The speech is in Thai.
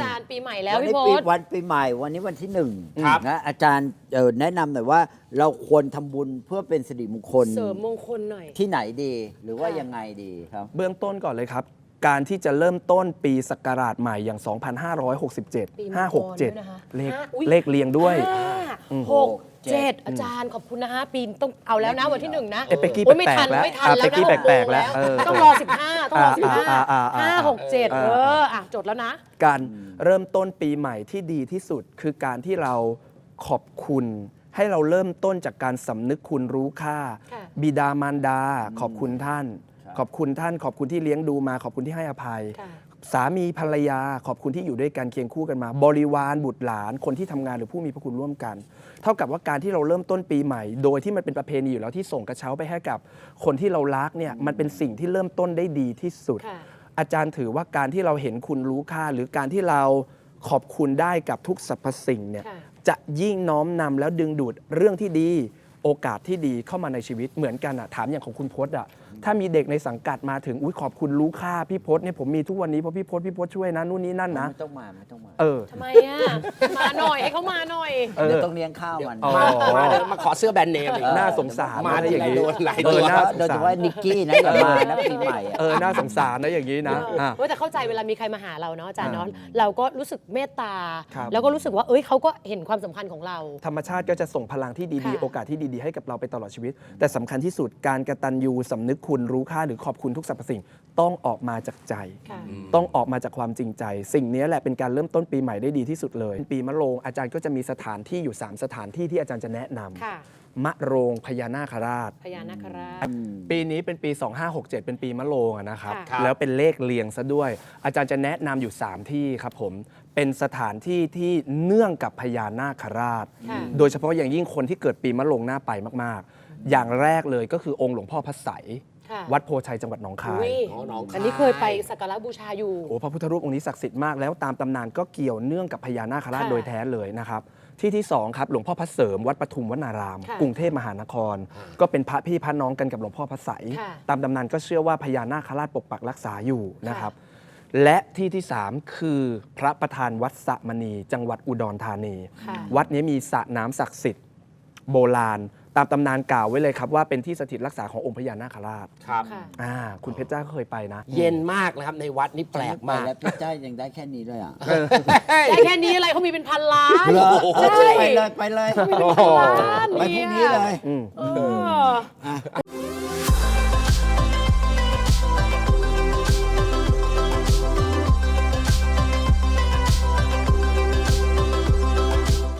จารย์ปีใหม่แล้ววันพี่นี้พปีศวันปีใหม่วันนี้วันที่หนึ่งครับนะอาจารย์แนะนำหน่อยว่าเราควรทำบุญเพื่อเป็นสิริมงคลเสริมมงคลหน่อยที่ไหนดีหรือว่าค่ะยังไงดีครับเบื้องต้นก่อนเลยครับ การที่จะเริ่มต้นปีศักราชใหม่อย่าง 2567 ปีมังกรด้วยนะคะ 567 เลขอุ๊ยเลขเรียงด้วย 5 6 7อาจารย์ขอบคุณนะคะปีต้องเอาแล้วนะวันที่ 1 นะเอ้ยเป๊กกี้โอ้ยไม่แปลทักนๆแล้วไม่ทันแล้วเป๊กกี้นะแปลกๆแล้ว 6 โมงต้องรอ 15 ต้องรอ 15 5 6 7จดแล้วนะการเริ่มต้นปีใหม่ที่ดีที่สุด คือการที่เราขอบคุณ ให้เราเริ่มต้นจากการสำนึกคุณรู้ค่าค่ะบิดามารดา ขอบคุณท่านครับขอบคุณท่าน ขอบคุณที่เลี้ยงดูมา ขอบคุณที่ให้อภัยค่ะสามีภรรยาขอบคุณที่อยู่ด้วยกันเคียงคู่กันมา บริวารบุตรหลานคนที่ทำงานหรือผู้มีพระคุณร่วมกัน เท่ากับว่าการที่เราเริ่มต้นปีใหม่ โดยที่มันเป็นประเพณีอยู่แล้วที่ส่งกระเช้าไปให้กับคนที่เรารักเนี่ยมันเป็นสิ่งที่เริ่มต้นได้ดีที่สุดค่ะอาจารย์ถือว่าการที่เราเห็นคุณรู้ค่า หรือการที่เราขอบคุณได้กับทุกสรรพสิ่งเนี่ยค่ะจะยิ่งน้อมนำแล้วดึงดูดเรื่องที่ดี โอกาสที่ดีเข้ามาในชีวิตเหมือนกันอะถามอย่างของคุณพจน์อะถ้ามีเด็กในสังกัดมาถึงอุ้ยขอบคุณรู้ค่าพี่พจน์เนี่ยผมมีทุกวันนี้เพราะพี่พจน์ช่วยนะนู่นนี่นั่นนะไม่ต้องมาไม่ต้องมาเออทำไมอ่ะ มาหน่อยให้เขามาหน่อยเออเดี๋ยวต้องเลี้ยงข้าวมันอ๋อมาเดี๋ยวมาขอเสื้อแบรนด์เนมอีกน่าสงสารมานะอย่างนี้โดนหลายเอตัอวน่าสงโดยเฉสารพาะนิกกี้นะอย่ามานะปีใหม่อะน่าสงสารนะอย่างนี้นะอ่ะเฮ้ยแต่เข้าใจเวลามีใครมาหาเราเนาะอาจารย์เนาะเราก็รู้สึกเมตตาครับแล้วก็รู้สึกว่าเอ้ยเขาก็เห็นความสำคัญของเราธรรมชาติก็จะส่งพลังที่ดีค่ะๆ โอกาสที่ดีๆ ให้กับเราไปตลอดชีวิต แต่สำคัญที่สุดการกตัญญูสำนึกคุณรู้ค่าหรือขอบคุณทุกสรรพสิ่ง ต้องออกมาจากใจค่ะต้องออกมาจากความจริงใจ สิ่งนี้แหละเป็นการเริ่มต้นปีใหม่ได้ดีที่สุดเลย ปีมะโรงอาจารย์ก็จะมีสถานที่อยู่ 3 สถานที่ที่อาจารย์จะแนะนค่ะำมะโรงพญานาคราชพญานาคราชปีนี้เป็นปี 2567 เป็นปีมะโรงอะนะครับค่ะแล้วเป็นเลขเรียงซะด้วย อาจารย์จะแนะนำอยู่ 3 ที่ครับผม เป็นสถานที่ที่เนื่องกับพญานาคราชค่ะโดยเฉพาะอย่างยิ่งคนที่เกิดปีมะโรงน่าไปมาก ๆ อย่างแรกเลยก็คือองค์หลวงพ่อพระไสยค่ะวัดโพชัยจังหวัดหนองคายอุ๊ยอ๋อหนองคายอันนี้เคยไปสักการะบูชาอยู่โอ้พระพุทธรูปองค์นี้ศักดิ์สิทธิ์มากแล้วตามตำนานก็เกี่ยวเนื่องกับพญานาคราชค่ะโดยแท้เลยนะครับที่สองครับหลวงพ่อพระเสริมวัดปทุมวนารามค่ะกรุงเทพมหานคร ก็เป็นพระพี่พระน้องกันกับหลวงพ่อพระไสยค่ะตามตำนานก็เชื่อว่าพญานาคราชปกปักรักษาอยู่นะครับ และที่สามคือพระประธานวัดสะมณีจังหวัดอุดรธานีค่ะวัดนี้มีสระน้ำศักดิ์สิทธิ์โบราณ ตามตำนานกล่าวไว้เลยครับว่าเป็นที่สถิตรักษาขององค์พญานาคราชครับค่ะคุณเพชรจ้าก็เคยไปนะเย็นมากนะครับในวัดนี่แปลกมากแล้วพี่จ้ายังได้แค่นี้เลยอ่ะได้แค่นี้อะไรเขามีเป็นพันล้านเหรอใช่ไปเลยไปเลยพันล้านไปพรุ่งนี้เลยเอออ่ะไป